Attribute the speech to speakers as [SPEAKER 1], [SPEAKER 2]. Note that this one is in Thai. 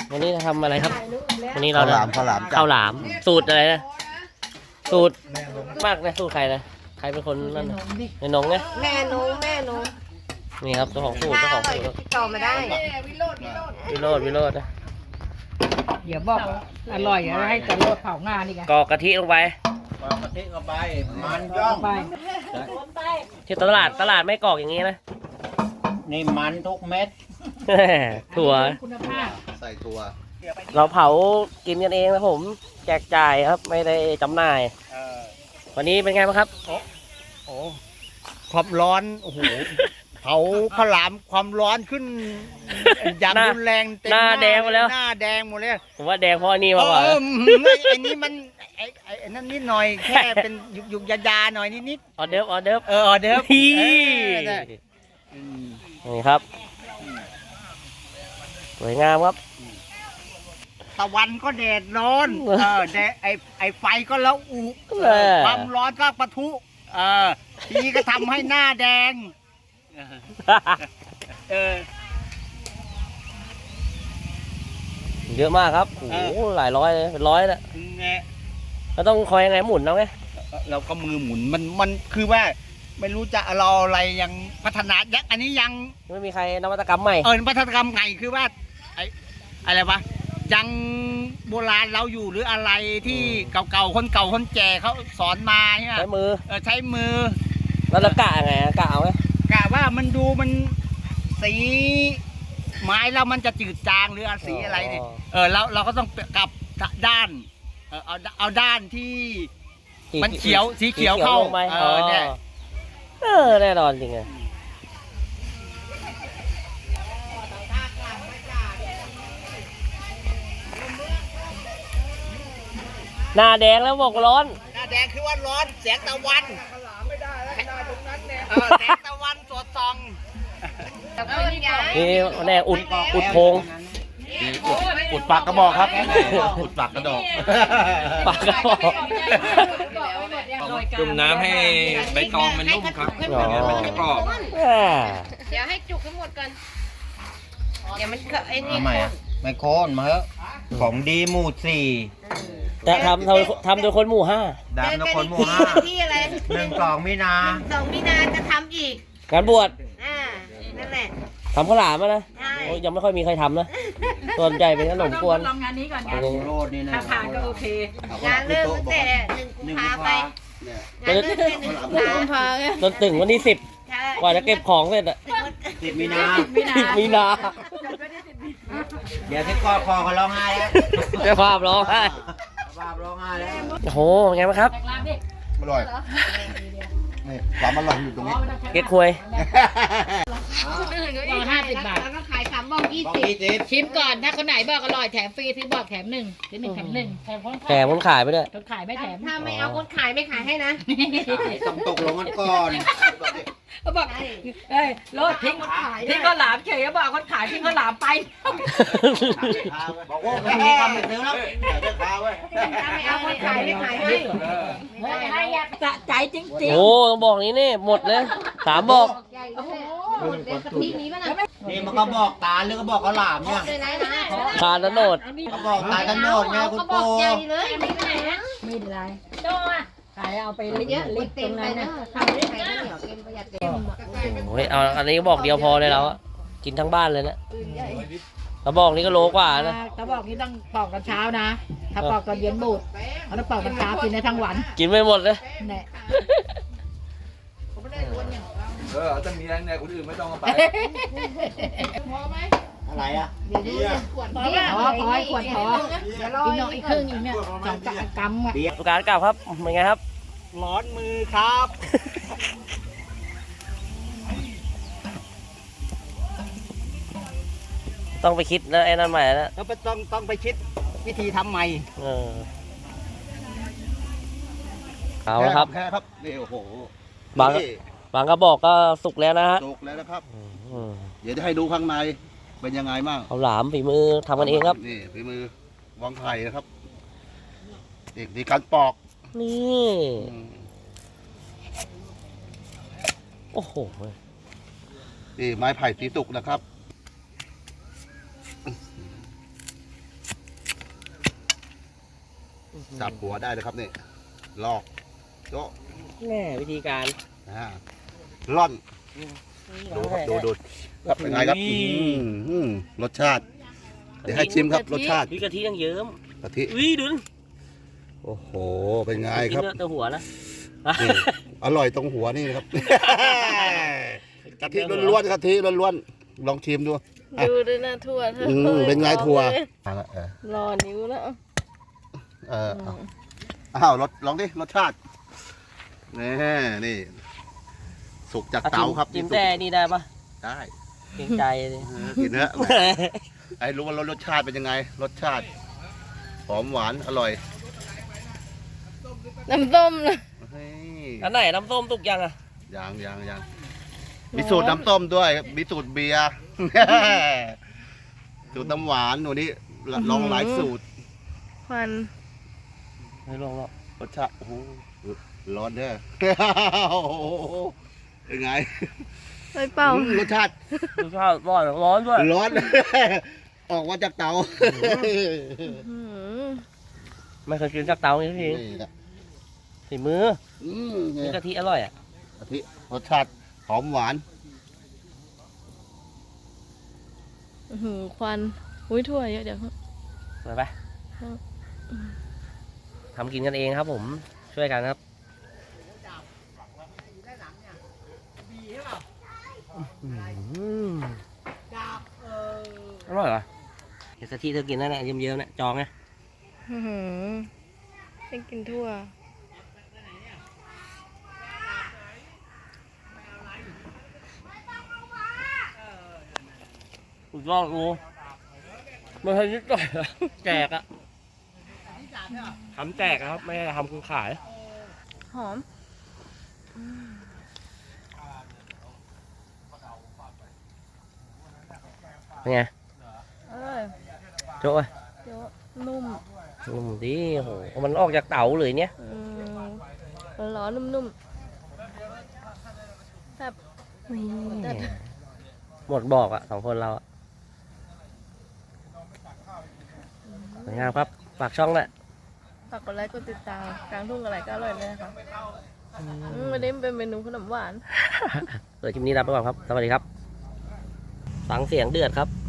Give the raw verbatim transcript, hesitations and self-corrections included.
[SPEAKER 1] วันนี้จะทำอะไรครับวันนี้เรา
[SPEAKER 2] ข้าวหลามข้าวหลามจ้ะ
[SPEAKER 1] ข้าวหลามสูตรอะไรนะสูตรมากนะสูตรใครนะใครเป็นคนนั่นนะในนงเนี่ย
[SPEAKER 3] แม่หนูแม่หนู
[SPEAKER 1] นี่ครับเจ้าของสูตรเจ้าของสูตร
[SPEAKER 3] ติดต่อมาได้
[SPEAKER 1] วิโรจน์วิโรจน์นะ
[SPEAKER 4] เดี๋ยวบอกอร่อยอะให้จะโรดเผางานอีกอะ
[SPEAKER 1] กอกกะทิลงไป
[SPEAKER 2] ปอกกะทิเข้าไปมันย่อง
[SPEAKER 4] ไป
[SPEAKER 1] ที่ตลาดตลาดไม่กรอกอย่างนี้นะ
[SPEAKER 2] นี่มันทุกเม็ด
[SPEAKER 1] ถั่ว
[SPEAKER 4] คุณภาพ
[SPEAKER 2] ใส่ตัว
[SPEAKER 1] เราเผากินกันเองนะผมแจกจ่ายครับไม่ได้จำหน่าย วันนี้เป็นไงบ้างครับ
[SPEAKER 2] โอ้ความร้อนโอ้โหเผาข้าวหลามความร้อนขึ้นอย่าง
[SPEAKER 1] หน้า
[SPEAKER 2] รุนแรงเต็ม
[SPEAKER 1] หน้าแดงหมดแล้ว
[SPEAKER 2] หน้าแดงหมดเลย
[SPEAKER 1] ผมว่าแดงเพราะอันนี้
[SPEAKER 2] เอ
[SPEAKER 1] มากกว่า
[SPEAKER 2] อไอ้นี่มันไอ้ไอ้ไอ้นั่นนิดหน่อยแค่เป็นยุกยุกยาๆหน่อยนิดนิด
[SPEAKER 1] ออเดิร์ฟออเดิร์ฟ
[SPEAKER 2] ๆเออออเดิร์ฟ
[SPEAKER 1] พี่
[SPEAKER 2] เออได้อืม
[SPEAKER 1] นี่ครับสวยงามครับ
[SPEAKER 2] ตะวันก็แดดร้อน เออแดดไอไอไฟก็ละอุ
[SPEAKER 1] เออ
[SPEAKER 2] ความร้อนก็ปะทุ เออทีก็ทำให้หน้าแดง เออ
[SPEAKER 1] เยอะมากครับโอ้โหหลายร้อยเลยเป็นร้อยแล้ว
[SPEAKER 2] ไง
[SPEAKER 1] เราต้องคอยยังไงหมุนเอาไง
[SPEAKER 2] เราก็มือหมุนมันมันคือว่า ไม่รู้จะเราอะไรยังพัฒนายังอันนี้ยัง
[SPEAKER 1] ไม่มีใครนวัตกรรมใหม่
[SPEAKER 2] เออพัฒนากรรมไงคือว่าไออะไรวะยังโบราณเราอยู่หรืออะไรที่เก่าๆคนเก่าคนแก่เขาสอนมาเนี่ย
[SPEAKER 1] ใช้มือ
[SPEAKER 2] เออใช้มือ
[SPEAKER 1] แล้วเรากะยังไงอะกะเอาไหม
[SPEAKER 2] กะว่ามันดูมันสีไม้แล้วมันจะจืดจางหรืออะไรสีอะไรเนี่ยเออเราเราก็ต้องกลับด้านเออเอาเอาด้านที่ มันเขียวสีเขียวเข้า
[SPEAKER 1] ลงไป
[SPEAKER 2] เออเนี่ย
[SPEAKER 1] เออแน่นอนจริงไงหน้าแดงแล้วบอกร้อน
[SPEAKER 2] หน้าแดงคือว่าร้อนแสงตะวันเออแสงตะวันสดส่อง
[SPEAKER 1] นี่แน่อุดอุดโพง
[SPEAKER 2] อุดปากกระบอกครับอุดปากกระดอก
[SPEAKER 1] ปากกระบอก
[SPEAKER 5] จุ่มน้ำให้ใบตองมันนุ่มครับ
[SPEAKER 1] อ๋อ
[SPEAKER 5] ไม่งั้นมันจะกรอบ
[SPEAKER 1] อ่า
[SPEAKER 3] เดี๋ยวให้จุกทั้งหมดก่อนเดี๋ยวมันเกไอ้นี่
[SPEAKER 2] ทำไมอ่ะไม่โค่นมาเถอะของดีหมู่สี่
[SPEAKER 1] แต่ทำทำทำโดยคนหมู่ห้า
[SPEAKER 2] ดาบนครหมู่ห้า
[SPEAKER 3] ที่อะไร
[SPEAKER 2] หนึ่งสองมีนา
[SPEAKER 3] สองมีนาจะทำอีก
[SPEAKER 1] การบวช
[SPEAKER 3] อ่านั่นแหละ
[SPEAKER 1] ทำข้าวหลามอะนะ
[SPEAKER 3] ใช่
[SPEAKER 1] โอ้ยยังไม่ค่อยมีใครทำนะส่วนใหญ่เป็นขนมกวน
[SPEAKER 4] ลองงานนี้ก่อนไง
[SPEAKER 2] โรดนี่นะ
[SPEAKER 4] ถ้าผ่านก็โอเค
[SPEAKER 3] งานเริ่มตั้งแต่หนึ่งกุมภาไปงานเริ่มตั้งแต่หนึ่งกุมภา
[SPEAKER 1] จนถึงวันที่สิบ
[SPEAKER 3] ใช่
[SPEAKER 1] กว่าจะเก็บของเสร็จอะ
[SPEAKER 2] สิบมีนา
[SPEAKER 1] สิบมีนา
[SPEAKER 2] เดี๋ยวที่กอดคอเขาร้องไห้แล้ว
[SPEAKER 1] เจ้าภาพร้องไห้
[SPEAKER 2] ภาพร้องไห้แล้ว
[SPEAKER 1] โอ้โหไงบ้างครับ
[SPEAKER 2] อร่อยนี่ความอร่อยอยู่ตรงนี้
[SPEAKER 1] เก๊กควย
[SPEAKER 4] บอกห้าสิบบาท
[SPEAKER 3] แล้วก็ขายสามบ้องยี่
[SPEAKER 2] บอก
[SPEAKER 3] สิบ
[SPEAKER 2] ยี่สิบ
[SPEAKER 4] ชิมก่อนถ้าคนไหนบอกอร่อยแถมฟรีซื้อบอกแถมหนึ่งซื้อหนึ่งแถมหนึ่งแถมคน
[SPEAKER 1] แถมคนขายไปด้วย
[SPEAKER 4] คนขายไม่แถม
[SPEAKER 3] ถ้าไม่เอาคนขายไม่ขายให้นะ
[SPEAKER 2] ต้องตกลงกันก่อน
[SPEAKER 4] เขาบอกเอ้ยรถทิ้งทิ้งข้าวหลามเฉยเขาบอกคนขายทิ้งข้าวหลามไป
[SPEAKER 2] บอกว่าไม่มีคำไปซื้อแล้วเดี๋ยวข้าวไว้
[SPEAKER 3] ถ้าไม่เอาคนขายไม่ขายให้
[SPEAKER 4] สะใจจริง
[SPEAKER 1] โอ้ต้องบอกนี้นี่หมดเลยสามบอก
[SPEAKER 3] ใหญ่เลยหมดเลยกะทิมีป่ะนะ
[SPEAKER 2] นี่มันก็บอกตาหรือก็บอกข้าวหลามเนี่ย
[SPEAKER 3] เลยนะนะ
[SPEAKER 1] ทานแล้วโนด
[SPEAKER 2] ก็บอกตากันโนดไงคุณ
[SPEAKER 3] ก็บอ
[SPEAKER 2] ปู
[SPEAKER 3] กใหญ่เลยไม่ไหนนะ
[SPEAKER 4] ๆไม่เป็นไรโตอ่ะขายเอาไปลิบ
[SPEAKER 3] เยอะ
[SPEAKER 4] ลิบ
[SPEAKER 3] เต็
[SPEAKER 4] ตร
[SPEAKER 3] ม
[SPEAKER 4] ง
[SPEAKER 3] ไป
[SPEAKER 4] นั้น
[SPEAKER 3] นะ
[SPEAKER 4] นะ
[SPEAKER 3] ทำได้ไงเหนียวเต็มประหยัดเต็ม
[SPEAKER 1] โอ้ยเอาอันนี้บอกเดียวพอเลยเราอะกินทั้งบ้านเลยนะกระบอกนี้ก็โลกว่านะ
[SPEAKER 4] เขาบอกนี่ต้องปอกตอนเช้านะ ถ้าปอกตอนเย็นบูดเขาต้องปอกตอนเช้ากินได้ทั้งวัน
[SPEAKER 1] กินไม่หมดเลย
[SPEAKER 4] แน่
[SPEAKER 5] เออจะมีอะไรเนี่ยคนอื่นไม่ต้องเอาไป
[SPEAKER 2] อะไรอ่ะ
[SPEAKER 3] เดี๋ยวดูขวด
[SPEAKER 4] พอพอพอขวดพออีกหน่อยอีกครึ่งอีกเนี่ยสองกรัมอ่ะ
[SPEAKER 1] ประกาศกลับครับเป็นไงครับ
[SPEAKER 2] ร้อนมือครับ
[SPEAKER 1] ต้องไปคิดนะไอ้นั่นใหม่นะ
[SPEAKER 2] แล้วต้องต้องไปคิดวิธีทำใหม่
[SPEAKER 1] เออเอาละครับ
[SPEAKER 2] แค่ครับนี่โอ้โห
[SPEAKER 1] บางบางกระบอกก็สุกแล้วนะฮะ
[SPEAKER 2] สุกแล้วนะครับ
[SPEAKER 1] อืม
[SPEAKER 2] เดี๋ยวจะให้ดูข้างในเป็นยังไงบ้าง
[SPEAKER 1] เอาหลามฝีมือทำกันเองครับ
[SPEAKER 2] นี่ฝีมือวางไผ่นะครับอีกดีการปอก
[SPEAKER 1] นี่
[SPEAKER 2] อืม
[SPEAKER 1] โอ้โห
[SPEAKER 2] นี่ไม้ไผ่สีสุกนะครับ
[SPEAKER 3] สับหัวได้เลยครับนี่ลอกโจ๊ะ
[SPEAKER 1] แน่วิธีการ
[SPEAKER 3] อ่าล่อนดูครับดูดูครับเป็นไงครับอืมอืมรสชาติ เดี๋ยวให้ชิมครับรสชาติ
[SPEAKER 1] วิกะทิยังเยิ้ม
[SPEAKER 3] กะทิ
[SPEAKER 1] อุ้ยดูดิ
[SPEAKER 3] โอ้โหเป็นไง
[SPEAKER 1] กิน
[SPEAKER 3] ครับ
[SPEAKER 1] เนื้อแต่หัวนะ
[SPEAKER 3] นี่อร่อยตรงหัวนี่นะครับ กะทิล้วนๆกะทิล้วนๆลองชิมดู
[SPEAKER 6] ดูด้วยนะถั่วเธอ
[SPEAKER 3] อืมเป็นไงถั่วเออ
[SPEAKER 6] รอนิ้วแล้ว
[SPEAKER 3] เออเอาอ้าวรสลองดิรสชาตินี่นี่สุกจากเตาครับ
[SPEAKER 1] จิ้ม
[SPEAKER 3] สุก
[SPEAKER 1] แต่นี่ได้ปะ
[SPEAKER 3] ได้
[SPEAKER 1] เกรงใจเลย
[SPEAKER 3] เออกินเนื้อะไอ้รู้ว่ารสชาติเป็นยังไง รสชาติหอมหวานอร่อย
[SPEAKER 6] น้ำส้มนะ
[SPEAKER 3] เฮ้ย
[SPEAKER 1] อันไหนน้ำส้มตุกยังอ่ะ
[SPEAKER 3] ยังยังยังมีสูตรน้ำต้มด้วยมีสูตรเบียร์ สูตรน้ำหวานหนูนี่ลองหลายสูตร
[SPEAKER 6] ควัน
[SPEAKER 1] ไม่ลงหรอก
[SPEAKER 3] รสชาติโอ้โหร้อนเด้อ โอ้โหเป็นไง
[SPEAKER 6] ไปเป่า
[SPEAKER 3] อืมรสชาติ
[SPEAKER 1] ดูข้าวร้อนร้อนด้วย
[SPEAKER 3] ร้อน ออกมาจากเตา
[SPEAKER 6] อื้อหือ
[SPEAKER 1] ไม่เคยกินจากเตาอย่างนี้
[SPEAKER 3] นี่นะ
[SPEAKER 1] สีมือ
[SPEAKER 3] อืม
[SPEAKER 1] วิกะทิอร่อยอ่ะ
[SPEAKER 3] กะทิรสชาติหอมหวาน
[SPEAKER 6] อื้อหือควันอุ้ยถั่วเยอะเดี๋ยว
[SPEAKER 1] ไปไป
[SPEAKER 6] ครับ
[SPEAKER 1] ทำกินกันเองครับผมช่วยกันครับอืมอร่อยเหรอเดี๋ยวสักทีเธอกินนั่นแหละเยิ้มๆเนี่ยจองไง
[SPEAKER 6] อื้อหือให้กินทั่ว
[SPEAKER 1] สุดยอดกูไม่ใช่นิดหน่อยอะแจกอะทำแจกอะครับไม่ได้ทำคุณขาย
[SPEAKER 6] หอม
[SPEAKER 1] เป็นไง
[SPEAKER 6] อร่อย
[SPEAKER 1] โจ้ะ
[SPEAKER 6] เยอะนุ่ม
[SPEAKER 1] นุ่มดีโอ้โหมันออกจากเต๋าเลยเนี่ย
[SPEAKER 6] อืมร้อนๆนุ่มๆแบบ
[SPEAKER 1] หมดบอกอะสองคนเราอะสวยงามครับฝากช่องแหละ
[SPEAKER 6] ฝากกดไลค์กดติดตามกลางทุ่งอะไรก็อร่อยเลยนะคะอืมวันนี้มันเป็นเมนูขนมหวาน
[SPEAKER 1] เดี๋ยวคลิปนี้ลาไปก่อนครับ สวัสดีครับฟังเสียงเดือดครับ